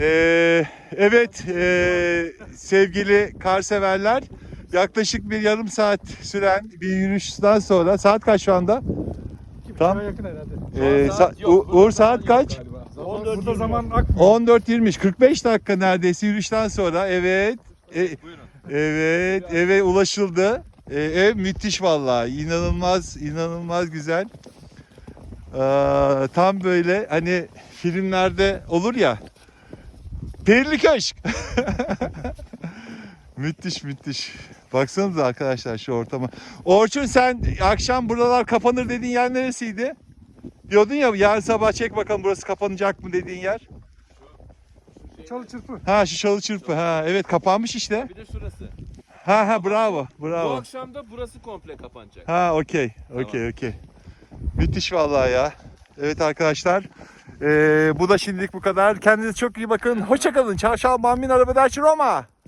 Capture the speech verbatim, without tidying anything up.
Ee, evet ee, sevgili kar severler, yaklaşık bir yarım saat süren bir yürüyüşten sonra saat kaç şu anda? Tam yakın herhalde. ee, saat sa- yok, U- burada Uğur zaman saat yok kaç? galiba. Zaman, on dört burada yirmi zaman yok. akmıyor. on dört yirmi kırk beş dakika neredeyse yürüyüşten sonra evet e- Buyurun. evet eve ulaşıldı. E, ev müthiş vallahi, inanılmaz inanılmaz güzel. Aa, tam böyle hani filmlerde olur ya, Perili Köşk. Müthiş müthiş. Baksanıza arkadaşlar şu ortama. Orçun, sen akşam buralar kapanır dediğin yer neresiydi? Diyordun ya, yarın sabah çek bakalım burası kapanacak mı dediğin yer. Çalı çırpı. Ha, şu Çalı Çırpı. Ha evet, kapanmış işte. Bir de şurası. Ha ha, bravo Bu bravo. akşam da burası komple kapanacak. Ha okey okey okey. Müthiş vallahi ya. Evet arkadaşlar. Ee, bu da şimdilik bu kadar. Kendinize çok iyi bakın. Hoşça kalın. Ciao ciao. Bambino arrivederci Roma.